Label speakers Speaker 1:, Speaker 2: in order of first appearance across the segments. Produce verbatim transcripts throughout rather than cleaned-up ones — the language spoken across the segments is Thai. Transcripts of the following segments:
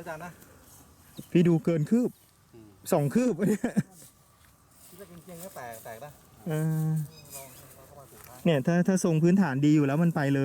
Speaker 1: จารย์นะ
Speaker 2: พี่ดูเกินคืบสองคืบเนี่ย
Speaker 1: ที่จะเก่งๆก็แตกแตกนะ
Speaker 2: เออ
Speaker 1: ลองเราก็มาถูกทาง
Speaker 2: เนี่ยถ้าถ้าทรงพื้นฐานดีอยู่แล้วมันไปเลย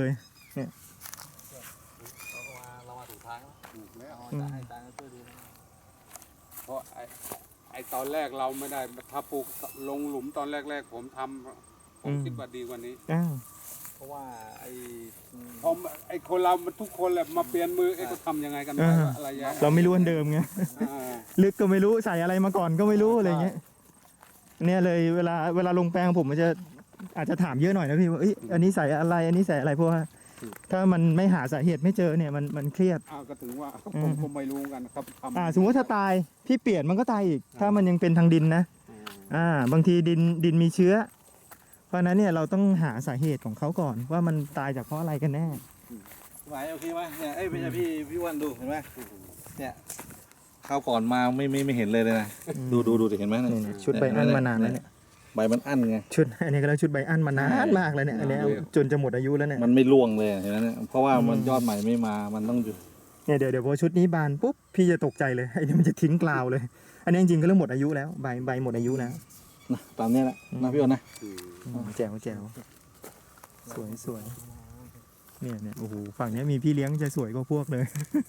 Speaker 1: เราก็มาเรามาถูกทางแล้ว
Speaker 3: ถูกแล้ว
Speaker 1: เอาให้ตาให้ตาช่วยดูนะ
Speaker 3: เพราะไอ้ไอ้ตอนแรกเราไม่ได้ถ้าปลูกลงหลุมตอนแรก ๆ ผมทำผมคิดว่าดีกว่านี้
Speaker 2: อ้าว
Speaker 1: เพราะว่าไอ้
Speaker 3: พอไอ้คนเรามันทุกคนแหละมาเปลี่ยนมือไอ้ก็ทำยังไงกันไปวะอะไรอย่าง
Speaker 2: เราไม่รู้อันเดิมไง
Speaker 3: อ่า
Speaker 2: ลึกก็ไม่รู้ใส่อะไรมาก่อนก็ไม่รู้อะไรเงี้ยเนี่ยเลยเวลาเวลาลงแปลงผมมันจะอาจจะถามเยอะหน่อยนะพี่ว่าเอ้ยอันนี้ใส่อะไรอันนี้ใส่อะไรเพราะว่าถ้ามันไม่หาสาเหตุไม่เจอเนี่ยมันมันเครียด
Speaker 3: อ้าวก็ถึงว่า
Speaker 2: อื
Speaker 3: ผม มก็ไม่รู้กันครับทำ
Speaker 2: อ่าสมมติว่าถ้าตายพี่เปลี่ยนมันก็ตายอีก ถ้ามันยังเป็นทางดินนะ
Speaker 3: อ่า
Speaker 2: อ่าบางทีดินดินมีเชื้อ เพราะฉะนั้นเนี่ยเราต้องหาสาเหตุของเขาก่อนว่ามันตายจากเพราะอะไรกันแน่
Speaker 1: ไหวโอเคไหมเนี่ยเอ้ยไม่ใช่พี่พี่วันดูเห็นไหมเนี่ยคราวก่อนมาไม่ไม่ไม่เห็นเลยเลยนะดูดูดูเห็นไหม
Speaker 2: นี่ๆชุดใบอั้นมานานแล้วเนี่ย
Speaker 1: ใบมันอั้นไง
Speaker 2: ชุดอันนี้ก็แล้วชุดใบอั้นมานานมากแล้วเนี่ยอันเนี้ยจนจะหมดอายุแล้วเนี่ย
Speaker 1: มันไม่ร่วงเลยเห็นไหมเนี่ยเพราะว่ามันยอดใหม่ไม่มามันต้องอยู่
Speaker 2: เนี่ยเดี๋ยวเดี๋ยวพอชุดนี้บานปุ๊บพี่จะตกใจเลยไอ้นี่มันจะทิ้งกลาวเลย อันนี้จริงๆก็เริ่มหมดอายุแล้วใบใบหมดอายุแล้ว
Speaker 1: นะตามเนี้ยแหละนะพี่อ้นนะ
Speaker 3: อืม
Speaker 2: อืมแจ๋วแจ๋วสวยสวยเนี่ยเนี่ยโอ้โหฝั่งเนี้ยมีพี่เลี้ยงจะสวยกว่าพวกเลย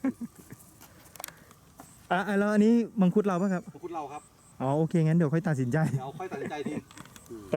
Speaker 2: อ่ะอ่ะแล้วอันนี้มังคุดเราป่ะครับ
Speaker 1: พูดเราครับ
Speaker 2: อ๋อโอเคงั้นเดี๋ยวค่อยตัดสินใจ
Speaker 1: เดี๋ยวค่อยตัดสินใจที